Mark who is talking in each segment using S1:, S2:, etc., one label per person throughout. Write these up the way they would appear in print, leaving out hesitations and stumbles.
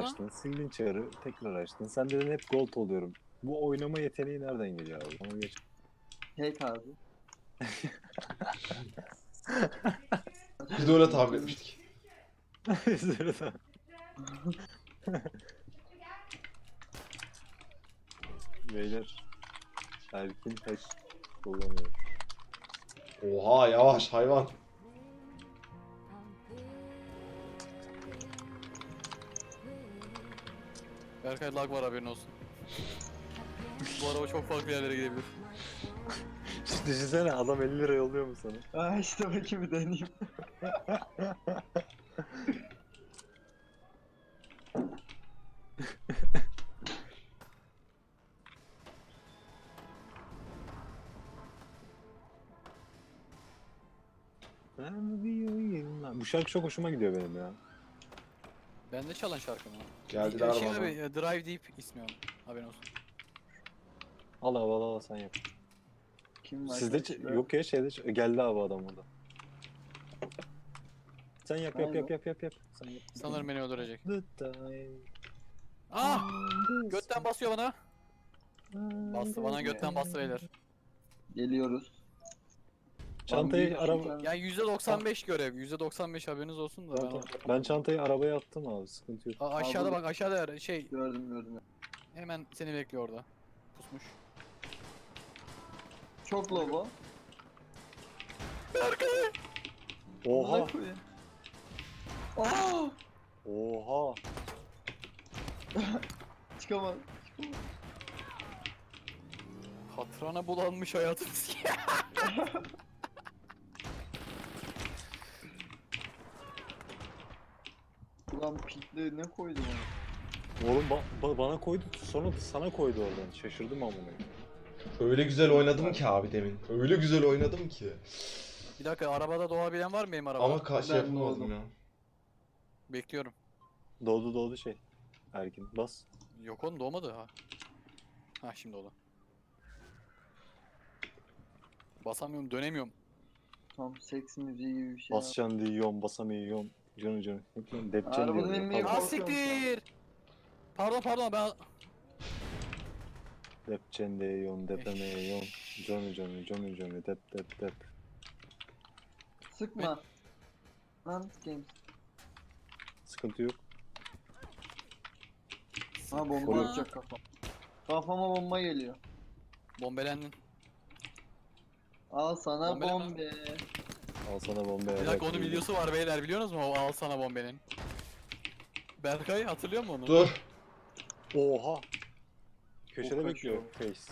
S1: açtın, sildin çarı, tekrar açtın. Sen dedin hep gold oluyorum. Bu oynama yeteneği nereden geliyor abi? Onu geç.
S2: Hack abi.
S3: Biz de öyle tahmin etmiştik.
S1: Üzülürüm. Beyler, Erkin hack kullanıyor.
S3: Oha yavaş hayvan.
S4: Berkay lag var haberin olsun. Bu araba çok farklı yerlere gidebilir.
S1: Düşünsene adam 50 lira yolluyor mu sana?
S2: Aa işte bakayım bir deneyeyim.
S1: Bu şarkı çok hoşuma gidiyor benim ya.
S4: Bende çalan şarkı mı?
S3: Geldiler
S4: Şey
S3: bana.
S4: abi, Drive Deep ismi onun. Haberin olsun.
S1: Al abi al sen yap.
S2: Kim var?
S1: Sizde
S2: karşıda?
S1: yok ya şeyde geldi abi adam burada. Sen yap. Sen yap.
S4: Sanırım beni öldürecek.
S1: The time
S4: Ah!
S1: on the
S4: Götten basıyor bana.
S1: sky.
S4: Bastı bana götten bastı beyler.
S2: Geliyoruz.
S1: Çantayı
S2: Büyük
S1: araba...
S2: şeker.
S4: Yani %95 görev. %95 haberiniz olsun da ben
S1: Tamam. Ben çantayı arabaya attım abi, sıkıntı yok.
S4: aşağıda
S2: Abi-
S4: bak, aşağıda şey
S2: Gördüm.
S4: hemen seni bekliyor orada. Pusmuş.
S2: Çok lobo.
S1: Oha!
S2: Amına koyayım. Aa!
S1: Oha!
S2: Çıkamaz.
S4: Katrana bulanmış hayatımız.
S2: Ulan pikle ne koydum ona?
S1: Oğlum bana koydu, sonra da sana koydu oradan. Şaşırdım amına.
S3: Öyle güzel oynadım ki abi demin. Öyle güzel oynadım ki.
S4: Bir dakika, arabada doğabilen var mı benim arabada?
S3: Ama şey
S2: Ben
S3: yapamadım
S2: doğdum.
S3: ya.
S4: Bekliyorum.
S1: Doğdu şey. Erkin bas.
S4: Yok oğlum, doğmadı ha. Ha şimdi oldu. Basamıyorum, dönemiyorum.
S2: Tam seks müziği gibi bir şey.
S1: Basacaksın diyorum, basamıyorum. Canı. Depçen
S2: Arabanın
S1: diyorum.
S2: inmeye
S1: Pardon.
S4: Ah
S2: korkuyorum
S4: siktir! Pardon ben...
S1: Depçen diyorum, depemeyorum. Canı. Dep.
S2: Sıkma. Lan games.
S1: Sıkıntı yok.
S2: Ha bomba
S1: Koruyor.
S2: atacak kafam. Kafama bomba geliyor.
S4: Bombelendin.
S2: Al sana
S4: Bombalama.
S2: bombe.
S1: Al sana bomba.
S4: Bir dakika, onun videosu var beyler, biliyorsunuz mu? O al sana bombenin. Berkay hatırlıyor musun onu?
S3: Dur.
S1: Oha! Köşede
S2: O
S1: bekliyor
S2: kaçıyor.
S1: Face.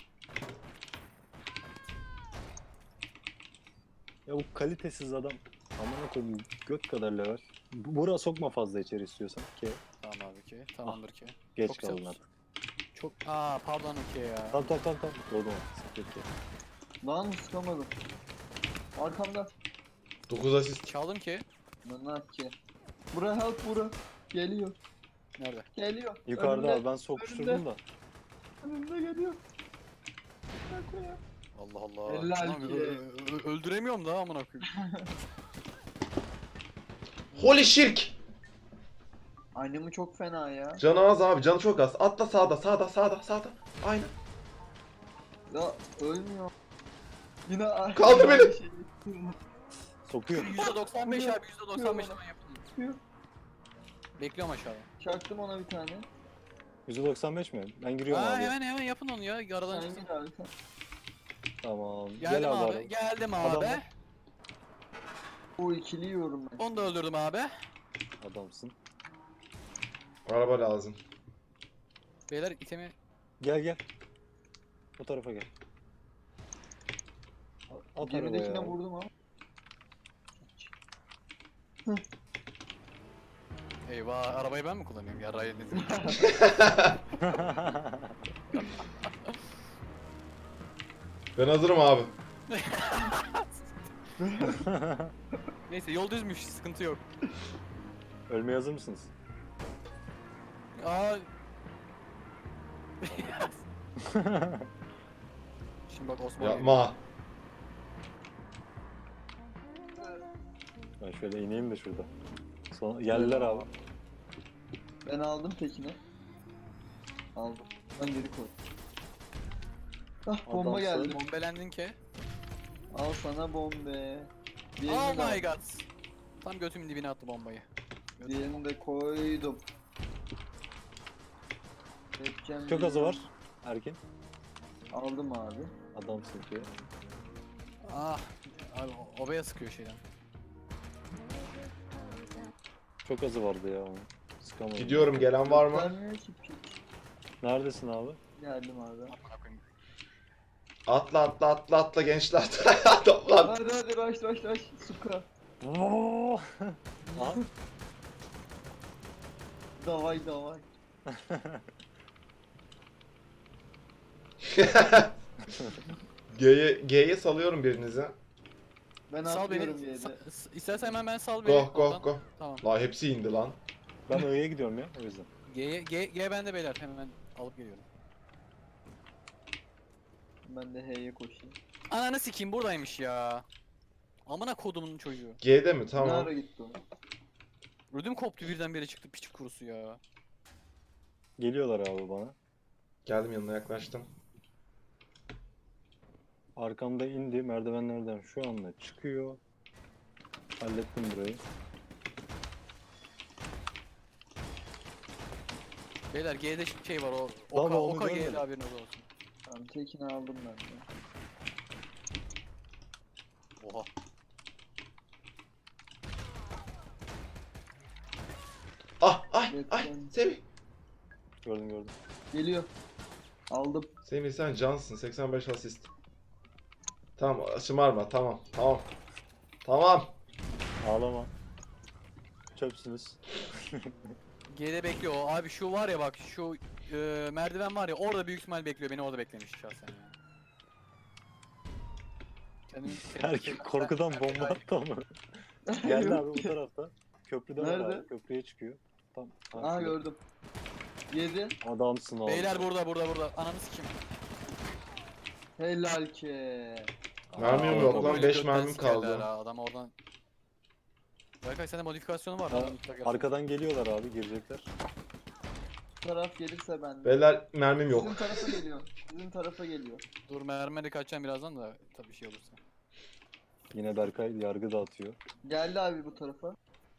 S1: Ya bu kalitesiz adam. Amına koyayım göt kadar level. Bura sokma fazla içeri istiyorsan ki.
S4: Tamam abi ki. Tamamdır ki.
S1: Geç
S4: Çok güzel
S1: kaldın
S4: olsun.
S1: artık.
S4: Çok... Pardon ki ya.
S1: Tamam. Doğdum artık. Sıkıntı yok.
S2: Lan sıkamadım. Arkamda.
S3: 9 asist.
S4: Çaldım ki.
S2: Lan ki. Bura help bura. Geliyor.
S4: Nerede?
S2: Geliyor.
S1: Yukarıda
S2: Önümde.
S1: abi ben sokuşturdum da.
S2: Önümde geliyor. Bak ya.
S4: Allah Allah.
S2: Helal
S4: Lan,
S2: ki.
S4: öldüremiyorum da amına koyayım.
S3: Holy shirk.
S2: Annemi çok fena ya.
S3: Canı az abi, canı çok az. Atla sağda. Aynen.
S2: Ya ölmüyor. Yine
S3: Kaldır beni.
S2: Şey.
S1: Sokuyor.
S4: %95 abi, %95 hemen yapın.
S2: Çıkıyor.
S4: Bekliyorum aşağıda.
S2: Çaktım ona bir tane.
S1: %95 mi? Ben giriyorum abi.
S4: Hemen yapın onu ya. Aradan
S2: Sen
S4: çıksın.
S2: gir abi sen.
S1: Tamam.
S4: Geldim
S1: Gel abi.
S4: abi. Geldim abi.
S1: Adam-
S2: O ikili yiyorum ben.
S4: Onu da öldürdüm abi.
S1: Adamsın.
S3: Araba lazım.
S4: Beyler itemi...
S1: Gel. Bu tarafa gel. At
S2: Geridekine
S1: arabaya.
S2: vurdum ama.
S4: Eyvah, arabayı ben mi kullanıyorum ya? Ryan dedim.
S3: Ben hazırım abi.
S4: Neyse, yol düzmüş, sıkıntı yok.
S1: Ölmeye hazır mısınız?
S4: Aa. Şimdi bak Osman.
S3: Yapma.
S1: Ben şöyle ineyim de şurada. Sonra geldiler abi.
S2: Ben aldım tekini. Aldım. Ben geri koy. Ah bomba
S1: Adamsın.
S2: geldi.
S4: Bombelendin ki.
S2: Al sana bombe. Diğerini
S4: Oh
S2: de,
S4: my god. Tam götümün dibine attı bombayı.
S2: diğerini de koydum. Webcam
S1: Çok azı
S2: video.
S1: var. Erkin.
S2: Aldım abi.
S1: Adamsın ki.
S4: Ah. Abi obaya sıkıyor şeyden.
S1: Çok azı vardı ya onun. Sıkamadım.
S3: Gidiyorum, gelen var mı?
S2: Vermiyor ki piç.
S1: Neredesin abi?
S2: Geldim abi.
S4: Amına koyayım.
S3: Atla atla atla atla gençler. Toplan.
S2: Hadi rush. Suka.
S1: Oo! Aha.
S2: Davay.
S3: G'ye salıyorum birinizi.
S2: Ben
S4: Sal beni.
S2: atlıyorum yedi.
S4: İstersen hemen ben sal beni.
S3: Go
S4: oradan.
S3: go.
S4: Tamam.
S3: La hepsi indi lan.
S1: Ben Ö'ye gidiyorum ya o yüzden.
S4: G bende beyler, hemen alıp geliyorum.
S2: Ben de H'ye koşayım.
S4: Ananı sikeyim, buradaymış ya. Amına kodumun çocuğu.
S3: G'de mi?
S2: Ne
S3: Tamam.
S2: ara gitti o?
S4: Ödüm koptu, birdenbire çıktı piç kurusu ya.
S1: Geliyorlar abi bana.
S3: Geldim, yanına yaklaştım.
S1: Arkamda indi merdivenlerden şu anda çıkıyor. Hallettim burayı.
S4: Beyler G'de şey var, o
S1: Tamam,
S4: Oka,
S1: onu
S4: Oka G'de
S1: görmedim.
S4: haberiniz olsun.
S2: Tamam tekini aldım ben de.
S4: Oha.
S3: Ay
S2: Webcam.
S3: Semih.
S1: Gördüm.
S2: Geliyor. Aldım.
S3: Semih sen cansın, 85 asist. Tamam, şımarma, tamam.
S1: Ağlama. Çöpsünüz.
S4: G'de bekliyor o. Abi şu var ya, bak şu merdiven var ya, orada büyük ihtimal bekliyor, beni orada beklemiş şahsen ya. Kendimi
S1: Erkin korkudan bomba attı ama. Geldi abi bu tarafta. Köprüde var
S2: Nerede?
S1: abi. Köprüye çıkıyor. Tam.
S2: Aa
S1: karşıda.
S2: gördüm. 7.
S1: Adamsın abi.
S4: Beyler burada. Ananı sikeyim.
S2: Helal ki.
S3: Mermim
S4: Aa,
S3: yok
S4: o
S3: lan,
S4: böyle
S3: 5
S4: götten
S3: mermim
S4: sikerler
S3: kaldı.
S4: ha, adam oradan. Berkay sende modifikasyonu var
S1: Ha,
S4: lan. mutlaka.
S1: arkadan geliyorlar abi girecekler.
S2: Bu taraf gelirse ben de.
S3: Beyler mermim yok.
S2: Sizin tarafa geliyor. Sizin tarafa geliyor.
S4: Dur, mermeri kaçacağım birazdan da tabii şey olursa.
S1: Yine Berkay yargı dağıtıyor.
S2: Geldi abi bu tarafa.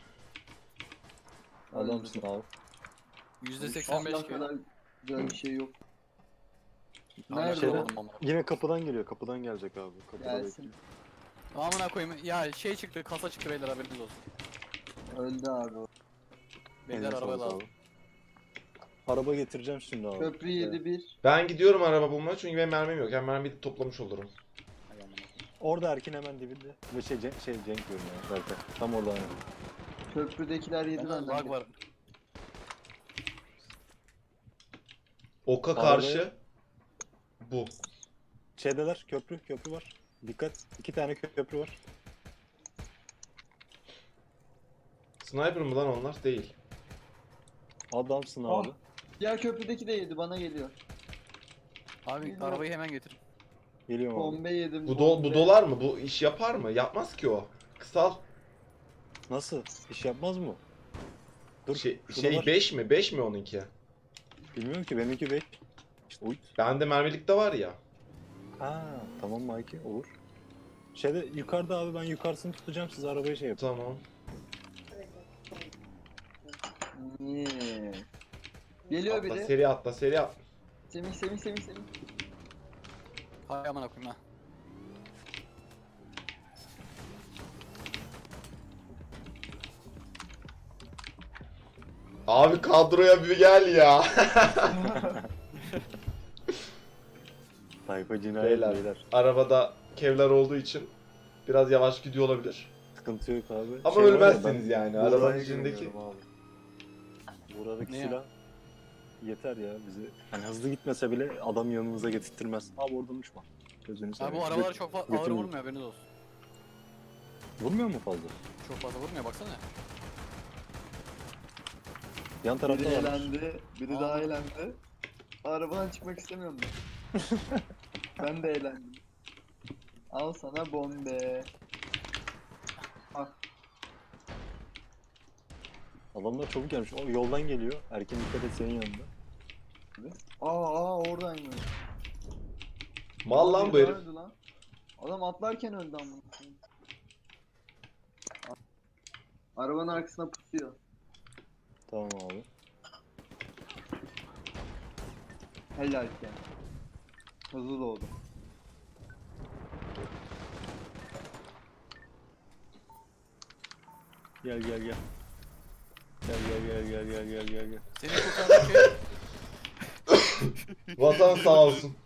S1: Adamsın abi.
S4: %85
S2: Allah
S4: ki.
S2: kadar güzel bir şey yok.
S4: Hala
S2: Nerede
S4: şey
S2: o?
S4: olmadım ama.
S1: Yine kapıdan geliyor. Kapıdan gelecek abi. Kapıda
S2: Gelsin.
S1: bekliyor.
S4: Amına koyayım ya, şey çıktı, kasa çıktı beyler, haberiniz olsun.
S2: Öldü abi o.
S4: Beyler
S1: Eline
S4: arabaya
S1: sağlık
S4: lazım.
S1: abi. Araba getireceğim şimdi abi.
S2: Köprü 7-1.
S3: Ben gidiyorum araba bulmaya çünkü benim mermim yok. Yani mermiyi toplamış olurum.
S4: Hay amına koyayım.
S1: Orada Erkin hemen dibinde. Ve Cenk diyorum ya Berkay. Tam orada aynen.
S2: Köprüdekiler yedi
S4: Bende
S2: benden.
S4: lag var.
S3: Oka
S1: Arabaya-
S3: karşı. Bu.
S1: Şeydeler köprü var. Dikkat. 2 tane köprü var.
S3: Sniper mı lan onlar? Değil.
S1: Adamsın
S2: Ah.
S1: abi.
S2: Diğer köprüdeki de yedi bana geliyor.
S4: Abi
S2: Bilmiyorum.
S4: arabayı hemen getir.
S1: Geliyorum abi.
S2: Bombe yedim.
S3: Bu
S2: bombe.
S3: dolar mı? Bu iş yapar mı? Yapmaz ki o. Kısal.
S1: Nasıl? İş yapmaz mı? Dur.
S3: Şey
S1: şurada var.
S3: 5 mi? 5 mi onunki?
S1: Bilmiyorum ki benimki 5. İşte uy.
S3: Bende mermilik de var ya.
S1: Ha, tamam Mikey olur. Şeyde yukarıda abi ben yukarısını tutacağım siz arabayı şey yapın.
S3: Tamam.
S2: Yeah. Geliyor
S3: Atla,
S2: biri.
S3: seri atla, seri atla.
S2: Semih.
S4: Hay amına koyayım ha.
S3: Abi kadroya bir gel ya.
S1: Tayfa cinayet
S3: Beyler.
S1: beyler.
S3: Arabada kevlar olduğu için biraz yavaş gidiyor olabilir.
S1: Sıkıntı yok abi.
S3: Ama
S1: var ya,
S3: ölmezsiniz
S1: ben
S3: yani,
S1: Buğra'ya
S3: arabanın içindeki.
S1: güveniyorum abi. Buradaki
S4: Ne ya?
S1: silah yeter ya bizi. Hani hızlı gitmese bile adam yanımıza getirtmez. Abi oradan uçma. Gözünü
S4: Abi
S1: seveyim.
S4: bu arabalar çok ağır
S1: götürün.
S4: vurmuyor, haberiniz olsun.
S1: Vurmuyor mu fazla?
S4: Çok fazla vurmuyor, baksana.
S1: Yan
S2: Biri
S1: tarafta var.
S2: elendi. Biri
S4: Aa.
S2: daha elendi. Arabadan çıkmak istemiyorum ben. Ben de eğlendim. Al sana bombe. Al.
S1: Adamlar çabuk gelmiş. O yoldan geliyor. Erken dikkat et senin yanında.
S2: Oradaymış.
S3: Mal lan bu herif.
S2: Öldü lan. Adam atlarken öldü amına koyayım. Arabanın arkasına pusuyor.
S1: Tamam abi.
S2: Helal ki. Hızlı doğdu.
S1: Gel gel gel. Gel.
S4: Seni kurtaran şey
S3: Vatan sağ olsun.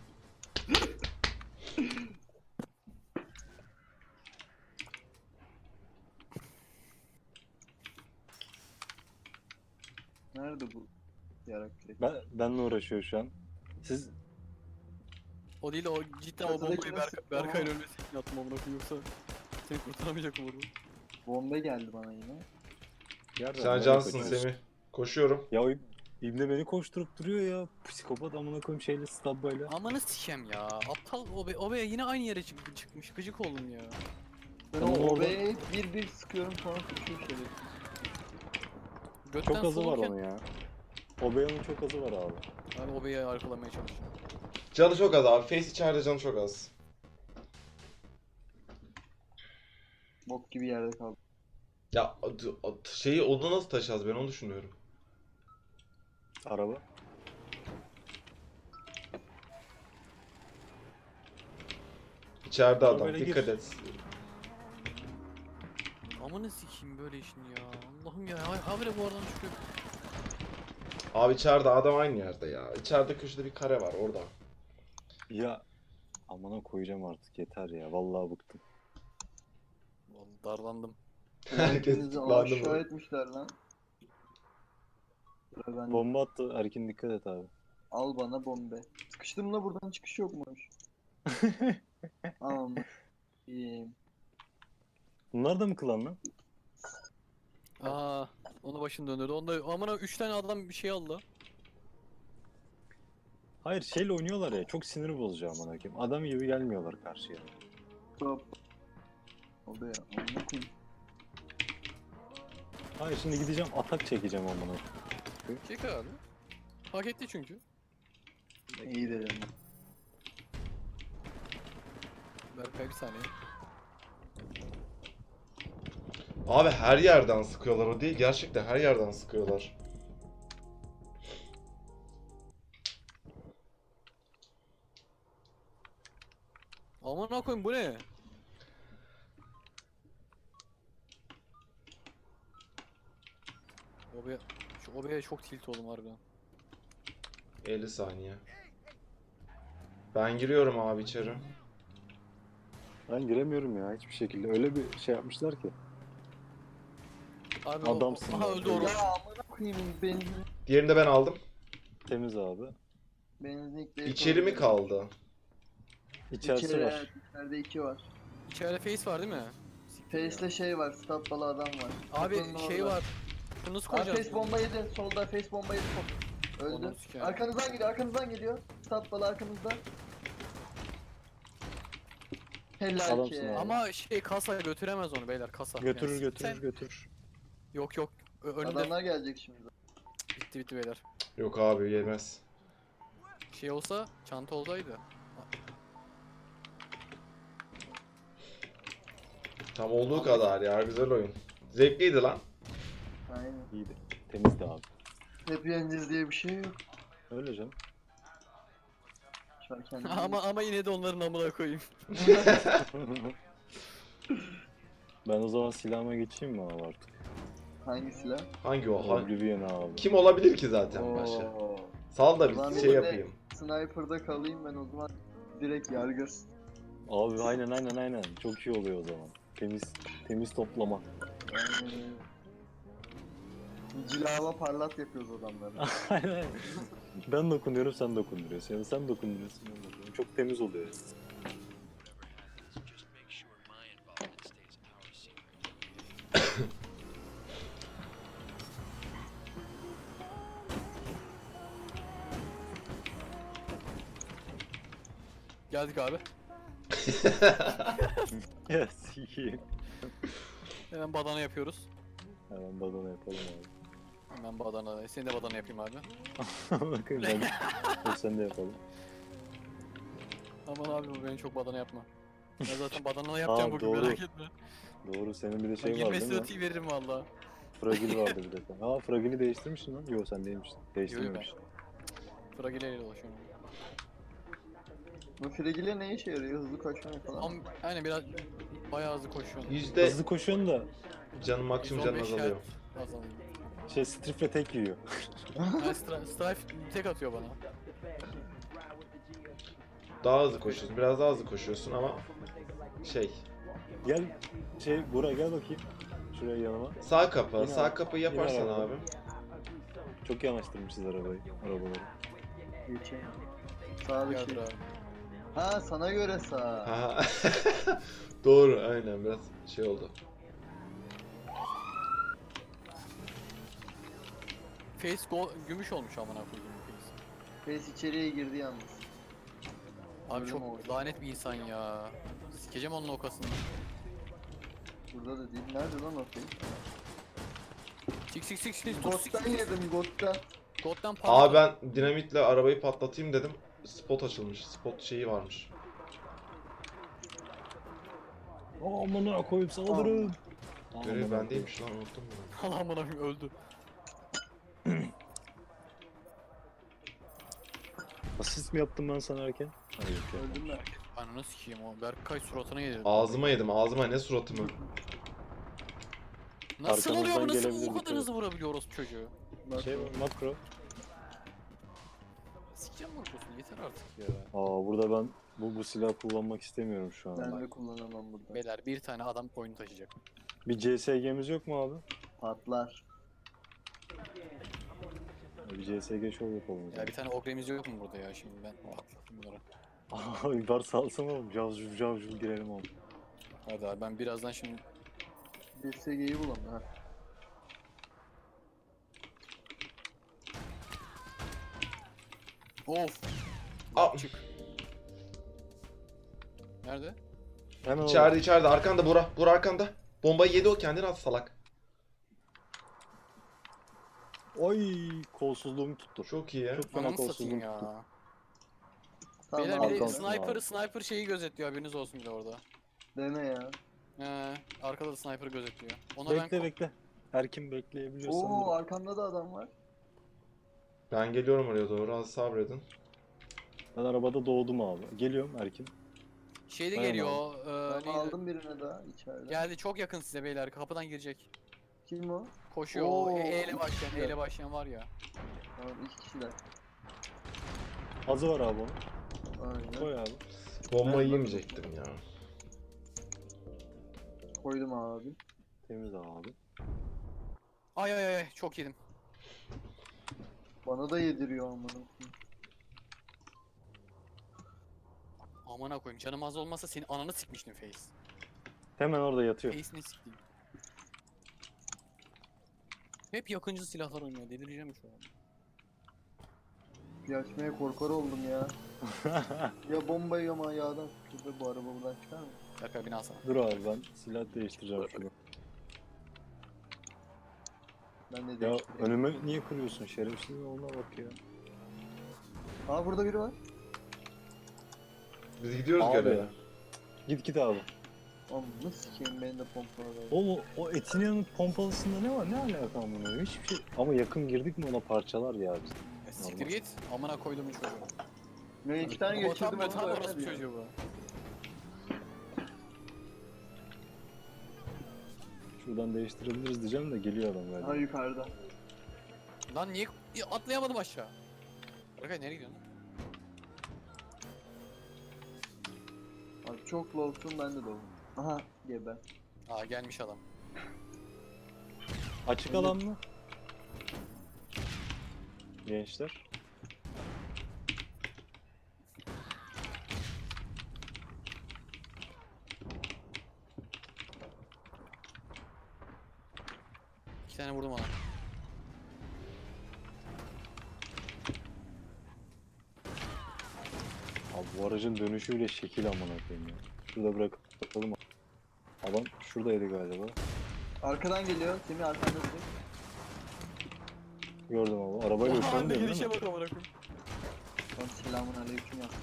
S2: Nerede bu yarak direkt?
S1: Benle uğraşıyor şu an. Siz
S4: o değil de o cidden o
S2: Çatıdaki
S4: bombayı
S2: nasıl-
S4: Berkay'la
S2: Aa.
S4: ölmesi için attım amına koyayım yoksa seni kurtaramayacak mı orada?
S2: Bomba geldi bana yine.
S1: yerden
S3: Sen
S1: nereye
S3: cansın
S1: kaçıyorsun?
S3: Semih. Koşuyorum.
S1: Ya o İbne beni koşturup duruyor ya. Psikopat amına koyayım şeyle stabbayla.
S4: Amanı sikem ya. Aptal Obe yine aynı yere çıkmış. Gıcık oldum ya.
S2: Ben
S1: Tamam,
S2: o
S1: orada-
S2: obeye bir sıkıyorum sonra tutuyor şöyle.
S4: Götten
S1: Çok azı var
S4: solurken
S1: onun ya. Obeyanın çok azı var abi.
S4: ben Obe'yi arkalamaya çalışıyorum.
S3: Canı çok az abi. Face içeride canı çok az.
S2: Bok gibi yerde kaldı.
S3: Ya şeyi onu nasıl taşıyacağız ben onu düşünüyorum.
S1: Araba.
S3: İçeride adam.
S1: Arabayla gir.
S3: Dikkat et.
S4: Amanı sikeyim böyle işin ya. Allah'ım ya. Habire bu aradan çıkıyor.
S3: Abi içeride adam aynı yerde ya. İçeride köşede bir kare var orada.
S1: Ya amına koyacağım artık yeter ya. Vallahi bıktım.
S4: Vallahi darlandım.
S3: Herkes
S2: Hepinizi
S3: tıklandı
S2: aşağı
S3: mı?
S2: etmişler lan. Sıra bende.
S1: Bomba attı. Erkin dikkat et abi.
S2: Al bana bombe. Sıkıştım da buradan çıkış yokmuş. Ama iyiyim.
S1: Bunlar da mı klan lan?
S4: Aa, onu başını döndürdü. Onda amına 3 tane adam bir şey aldı.
S1: Hayır şeyle oynuyorlar ya. Çok sinir bozucu amına koyayım. Adam gibi gelmiyorlar karşıya.
S2: Hop. O be ya. Amına koyayım.
S1: Hayır şimdi gideceğim atak çekeceğim amına.
S4: Çek abi. Hak etti çünkü.
S2: İyi dedim.
S4: Berkay bir saniye.
S3: Abi her yerden sıkıyorlar o değil. Gerçekten her yerden sıkıyorlar.
S4: Aman koyayım bu ne? Şu Obe'ye çok tilt oldum harbiden.
S3: 50 saniye. Ben giriyorum abi içeri.
S1: Ben giremiyorum ya hiçbir şekilde. Öyle bir şey yapmışlar ki.
S4: Abi
S1: Adamsın
S4: aha
S1: ya.
S4: öldü orada.
S2: Ya amına koyayım benzin.
S3: Diğerini de ben aldım.
S1: Temiz abi.
S2: Benzinlikle.
S3: İçeri mi kaldı?
S1: İçerisi
S2: İçeri,
S1: var.
S2: evet, içeride 2 var.
S4: İçeride face var değil mi? Siktir ya.
S2: Face'le şey var, stat balı adam var.
S4: Abi
S2: Kapının
S4: şey
S2: orada.
S4: var. Şunu nasıl
S2: Abi
S4: koyacağız?
S2: face bomba yedi, solda face bomba yedi. Öldü.
S4: Onu sikeyim.
S2: Arkanızdan geliyor. Stat balı arkanızda. Helal
S1: Adamsın
S2: ki.
S1: abi.
S4: Ama şey kasa götüremez onu beyler kasa.
S1: Götürür
S4: Yani
S1: götürür
S4: sen-
S1: götürür.
S4: Yok yok. Önünde
S2: Adamlar gelecek şimdi.
S4: bitti beyler.
S3: Yok abi yemez.
S4: Şey olsa çanta olsaydı.
S3: Tam olduğu kadar ya güzel oyun. Zevkliydi lan.
S2: Aynen.
S1: İyiydi. Temizdi abi.
S2: Hep yeneceğiz diye bir şey yok.
S1: Öyle canım.
S2: Şu an kendimi...
S4: ama yine de onların amına koyayım.
S1: Ben o zaman silahıma geçeyim mi abi artık?
S2: Hangi silah?
S3: Hangi o?
S1: Oblivion abi.
S3: Kim olabilir ki zaten başka?
S2: Oo.
S3: Sal da
S2: Ulan
S3: bir
S2: bir
S3: şey
S2: de-
S3: yapayım.
S2: Sniper'da kalayım ben o zaman. Direkt yargı.
S1: Abi aynen. Çok iyi oluyor o zaman. Temiz toplama.
S2: Aynen öyle. Cilava parlat yapıyoruz adamları.
S1: Aynen. Ben dokunuyorum sen dokunduruyorsun. Yani sen dokunduruyorsun ben dokunuyorum. Çok temiz oluyor.
S4: Geldik abi.
S1: Yes iyi.
S4: Hemen badana yapıyoruz.
S1: Hemen badana yapalım abi.
S4: Hemen badana. Seni de badana yapayım abi.
S1: Bakın ben. Dur sen de yapalım.
S4: Aman abi bu beni çok badana yapma. Ben zaten badana yapacağım
S1: Aa,
S4: bugün
S1: doğru.
S4: merak etme.
S1: Doğru senin bir de
S4: Ben
S1: şey var
S4: girme
S1: değil mi?
S4: strategi veririm valla.
S1: Fragil vardı bir de. Aa Fragil'i değiştirmişsin lan. Yo sen değilmişsin. Değiştirmemişsin.
S4: Fragileyle dolaşıyorum.
S2: Bu frigile ne işe yarıyor? Hızlı koşmaya falan.
S4: Ama aynen biraz bayağı hızlı koşuyorsun.
S3: Yüzde
S1: Hızlı koşuyorsun da
S3: canım maksimum canım
S4: 115
S3: azalıyor.
S4: health azalıyor.
S1: şey strifle tek yiyor.
S4: Yani Strife tek atıyor bana.
S3: Daha hızlı koşuyorsun. Biraz daha hızlı koşuyorsun ama şey.
S1: Gel Burak gel bakayım. Şuraya yanıma.
S3: Sağ kapı.
S1: Yine
S3: Sağ
S1: abi,
S3: kapıyı
S1: yine
S3: yaparsan
S1: araba.
S3: abi.
S1: Çok yanaştırmışız arabaları.
S2: Geçeyim. Sağ bir
S4: Yardır
S2: şey.
S4: abi.
S2: Ha sana göre sağ.
S3: Ha. Doğru aynen biraz şey oldu.
S4: Face gümüş olmuş amına koyduğum face.
S2: Face içeriye girdi yalnız.
S4: Abi
S2: Öyle mi oldu?
S4: çok lanet bir insan ya. Sikeceğim onun okasını.
S2: Burada da değil. Nerede lan o face?
S4: Sik.
S2: God'dan yedim God'dan.
S4: God'dan
S3: Abi ben dinamitle arabayı patlatayım dedim. Spot açılmış. Spot şeyi varmış.
S1: Amına koyup saldırın.
S3: Görev
S1: Amına
S3: bendeymiş lan unuttum bunu.
S4: Allah amına koyayım öldü.
S1: Asist mi yaptım ben sana erken? Hayır yok ya.
S2: Öldüm ben.
S4: Ananı sikeyim o. Berkay suratına yedirdi.
S3: Ağzıma yedim ağzıma ne suratımı.
S4: Nasıl oluyor bu?
S1: Arkamızdan
S4: Nasıl
S1: gelebilir
S4: bu
S1: bir
S4: kadar
S1: tane.
S4: hızlı vurabiliyor orospu çocuğu?
S2: Bak,
S1: Şey var, makro.
S4: Sikeceğim mi orospu? Yeter artık ya.
S1: Aa burada ben bu silahı kullanmak istemiyorum şu an.
S2: ben de kullanamam burada.
S4: Beyler bir tane adam oyunu taşıyacak.
S1: Bir CSG'miz yok mu abi?
S2: Patlar.
S1: Bir CSG show yapalım. o
S4: Ya
S1: zaman.
S4: bir tane ogremiz yok mu burada ya şimdi ben patlattım bunları.
S1: Abi var salsana oğlum. Cavcul girelim oğlum.
S4: Hadi abi ben birazdan şimdi
S2: Bir SG'yi bulalım ha.
S4: of.
S3: Aa.
S4: Çık. Nerede?
S1: Hemen
S3: İçeride arkanda Bora. Bora arkanda. Bombayı yedi o kendini at salak.
S1: Oy kolsuzluğumu tuttu.
S3: Çok iyi ya.
S1: Çok fena
S4: Ananı satayım
S1: kolsuzluğum tuttu.
S4: ya.
S2: Tamam
S4: Beyler bir de
S1: Alkan-
S4: sniper şeyi gözetliyor haberiniz olsun bir de orada.
S2: dene ya.
S4: Arkada da sniper gözetliyor. Ona
S1: Bekle bekle. Erkin bekleyebiliyorsan.
S2: Oo arkamda da adam var.
S3: Ben geliyorum oraya doğru az sabredin.
S1: Ben arabada doğdum abi. Geliyorum Erkin.
S4: şey de
S1: Aynen
S4: geliyor.
S2: Ben
S4: Neydi?
S2: aldım birine daha içeride.
S4: Geldi çok yakın size beyler kapıdan girecek.
S2: Kim o?
S4: Koşuyor.
S2: Oo.
S4: O E ile başlayan var ya.
S2: Tamam 2 kişiler.
S1: Azı var abi onun.
S2: Aynen.
S1: Koy abi.
S3: Bombayı yemeyecektim ya.
S2: Koydum abi.
S1: Temiz abi.
S4: Ay çok yedim.
S2: Bana da yediriyor amına koyayım.
S4: Amına koyayım canım az olmasa senin ananı sikmiştim Face.
S1: Hemen orada yatıyor.
S4: Face'ini siktim. Hep yakıncı silahlar oynuyor delireceğim şu an.
S2: Bir açmaya korkar oldum ya. Ya bomba ya yağdan sıkıldı bu araba buradan çıkar mı?
S4: Berkay beni alsana.
S1: Dur abi ben silah değiştireceğim şunu.
S2: Ben de
S1: Ya
S2: değiştireyim.
S1: önüme niye kırıyorsun şerefsiz olma bak ya.
S2: Aa burada biri var.
S3: Biz gidiyoruz
S1: Abi.
S3: göreve.
S1: Git abi.
S2: Oğlum nasıl sikeyim benim de pompalı var.
S1: O Etina'nın pompalısında ne var? Ne alaka bunun? Hiçbir şey. Ama yakın girdik mi ona parçalar ya biz.
S4: Ya siktir git. Amına koydum bu çocuğu.
S2: Ne 2 tane
S4: O
S2: geçirdim
S4: tam
S2: ama
S4: orası
S2: ölmedi ya.
S4: çocuğu bu.
S1: Şuradan değiştirebiliriz diyeceğim de geliyor adam
S2: Ha
S1: galiba.
S2: yukarıda.
S4: Lan niye atlayamadım aşağı? Berkay nereye gidiyorsun?
S2: Abi çok lowsun ben de low'um. Aha gebe.
S4: Aa gelmiş adam.
S1: Açık alan mı? Gençler.
S4: İki tane vurdum ona.
S1: Abi bu aracın dönüşü bile şekil amına koyayım ya. Şurada bırakalım. Adam şuradaydı galiba.
S2: Arkadan geliyor. Semih arkanda direkt.
S1: Gördüm abi. Arabayla
S4: Oha,
S1: uçan
S4: ne
S1: değil
S4: girişe
S1: mi?
S4: bak amına koyayım.
S2: Son selamun aleyküm yaptı.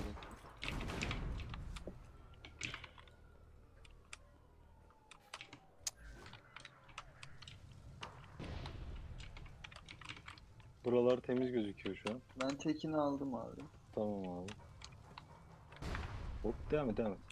S1: Buralar temiz gözüküyor şu an.
S2: Ben tekini aldım abi.
S1: Tamam abi. Hop devam et devam et.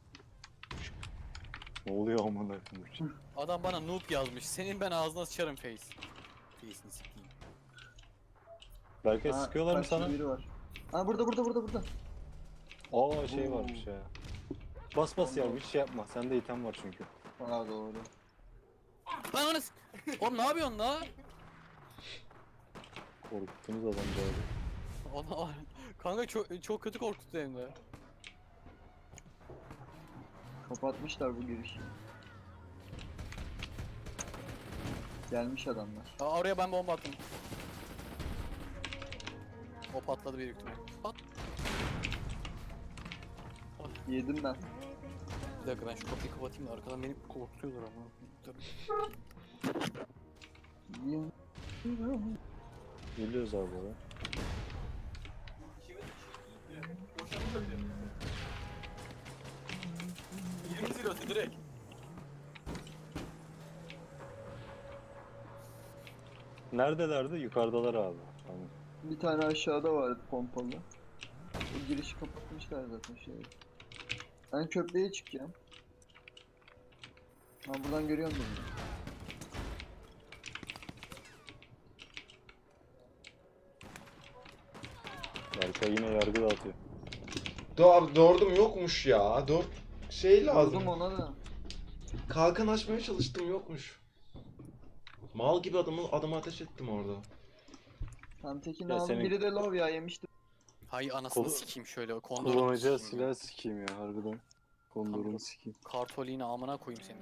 S1: Ne oluyor amına koyayım?
S4: Adam bana noob yazmış. Senin ben ağzına sıçarım face. Face'ini sikeyim.
S1: Berkay
S2: Ha,
S1: sıkıyorlar mı
S2: karşıda
S1: sana?
S2: biri var. Ha burada.
S1: Aa şey
S2: Oo.
S1: varmış ya. Bas bas ya, hiç şey yapma. Sende item var çünkü.
S2: Ha doğru.
S4: Lan onu oğlum ne yapıyorsun la?
S1: Korkuttunuz adamcağızı.
S4: Ona kanka çok kötü korkuttu hem de.
S2: Kapatmışlar bu girişi. Gelmiş adamlar.
S4: Aa, oraya ben bomba attım. O patladı büyük ihtimal. Pat.
S2: Yedim ben.
S4: Bir dakika ben şu kapıyı kapatayım da arkadan beni korkutuyorlar ama. Dur.
S1: Geliyoruz abi oraya.
S4: Direkt.
S1: Neredelerdi? Yukarıdalar abi. Tamam.
S2: Bir tane aşağıda vardı pompalı. Bu girişi kapatmışlar zaten şey. Ben köprüye çıkacağım. Ha buradan görüyor musun?
S1: Berkay yine yargı dağıtıyor.
S3: Dördüm yokmuş ya. Dört şey lazım.
S2: Vurdum ona da.
S3: Kalkan açmaya çalıştım, yokmuş. Mal gibi adamı ateş ettim orada.
S2: Tam tekini
S1: Ya
S2: aldım.
S1: senin-
S2: Biri de love ya yemiştim.
S4: Hay anasını
S1: Kolu-
S4: sikeyim şöyle kondoru.
S1: Kullanacağı silah sikeyim ya harbiden. Kondorunu sikeyim.
S4: Kartoliğini amına koyayım senin.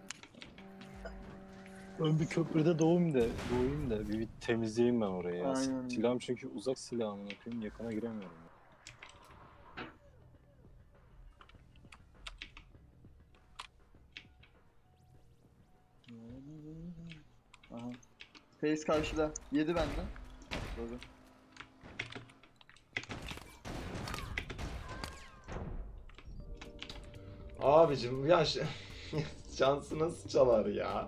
S1: Ben bir köprüde doğayım da bir temizleyeyim ben orayı ya.
S2: Aynen.
S1: Silahım çünkü uzak silahımın yapayım, yakına giremiyorum.
S2: Aha. Face karşıda. Yedi benden. Doğru.
S3: Abicim ya şansı nasıl çalar ya?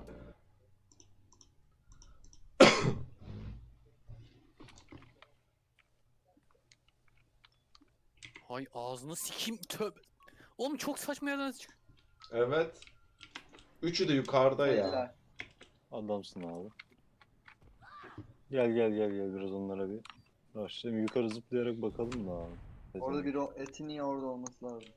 S4: Hay ağzını sikeyim tövbe. Oğlum çok saçma yerden çık.
S3: Evet. Üçü de yukarıda ya.
S2: Helal.
S1: Adamsın abi. Gel biraz onlara bir başlayalım. Yukarı zıplayarak bakalım da abi.
S2: Orada bir o etin niye orada olması lazım.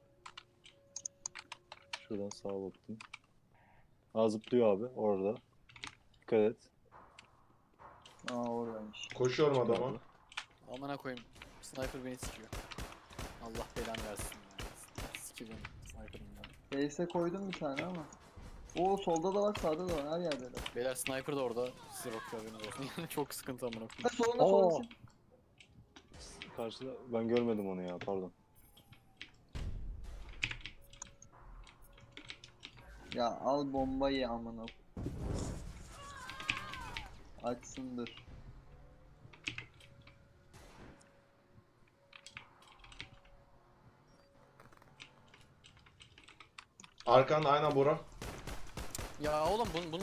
S1: Şuradan sağa baktım. Aa zıplıyor abi orada. Dikkat et.
S2: Aa oradaymış.
S3: Koşuyorum adama.
S4: Amına koyayım. Sniper beni sikiyor. Allah belanı versin ya. Sikiyor beni. Sniper'ım ya.
S2: Face'e koydum bir tane ama. Oo solda da var sağda da var her yerde de.
S4: Beyler sniper da orada. Size bakıyor haberiniz olsun. Çok sıkıntı amına koyayım.
S2: Ha solunda
S1: Oo.
S2: solunda.
S1: Karşıda ben görmedim onu ya, pardon.
S2: Ya al bombayı amına. Açsındır.
S3: Arkanda aynen Bora.
S4: Ya oğlum bunun...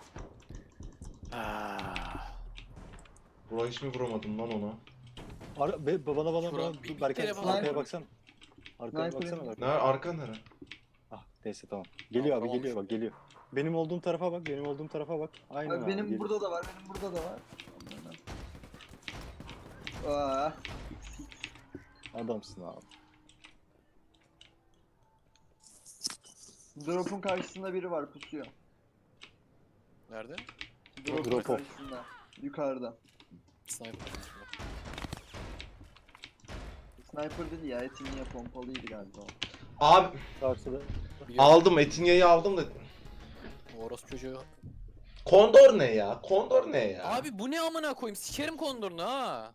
S4: Ah.
S3: Bora hiç mi vuramadım lan ona?
S1: Bana
S4: Şura-
S1: dur,
S4: bir
S1: Berkay
S4: kere
S1: arkaya
S2: bana-
S1: baksana. Arkaya
S2: Sniper
S1: baksana bak.
S3: Nerede? Arka nere?
S1: Ah neyse tamam. Geliyor abi,
S4: Tamam,
S1: geliyor bak, geliyor. Benim olduğum tarafa bak, benim olduğum tarafa bak. Aynen
S2: Abi
S1: abi,
S2: benim
S1: geliyor.
S2: burada da var, benim burada da var. Aa,
S1: Adamsın abi.
S2: drop'un karşısında biri var pusuyor.
S4: Nerede?
S2: Drop'un
S1: Drop off.
S2: karşısında. Yukarıda.
S4: Sniper.
S2: Sniper değil ya, etin niye pompalıydı galiba.
S3: Abi
S1: Karşıda.
S4: Biliyorum.
S3: aldım, Etinya'yı aldım da.
S4: O orospu çocuğu.
S3: Kondor ne ya? Kondor ne ya?
S4: Abi bu ne amına koyayım? Sikerim kondorunu ha.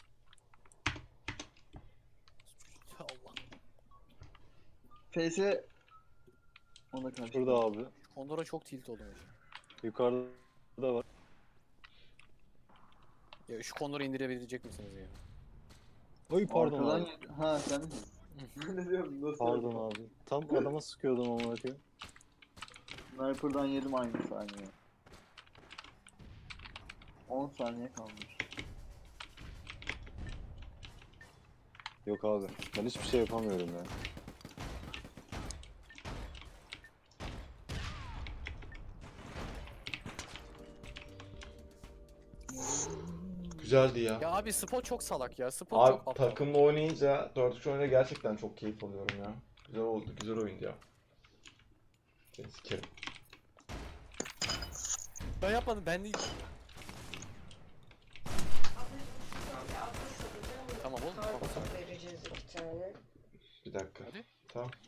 S4: Allah.
S2: Face'e... Ona karşı.
S1: Burada abi.
S4: Kondora çok tilt oldum hocam.
S1: Yukarıda var.
S4: Ya şu konuları indirebilecek misiniz ya?
S1: Oy pardon
S2: Arkadan
S1: abi.
S2: yedi. Ha sen misin? Ben de diyorum nasıl?
S1: Pardon abi. Tam adama sıkıyordum ama bakayım.
S2: Sniper'dan yedim aynı saniye. 10 saniye kalmış.
S1: Yok abi. Ben hiçbir şey yapamıyorum ya.
S3: Güzeldi ya.
S4: Ya abi Spot çok salak ya. Spot
S3: Abi
S4: çok aptal.
S3: takımla oynayınca 4-3 oynayınca gerçekten çok keyif alıyorum ya. Güzel oldu, güzel oyundu ya. Seni sikerim.
S4: Ben yapmadım, ben değil. Tamam oğlum. Tamam.
S5: Vereceğiz 2 tane.
S3: Bir dakika.
S4: Hadi.
S3: Tamam.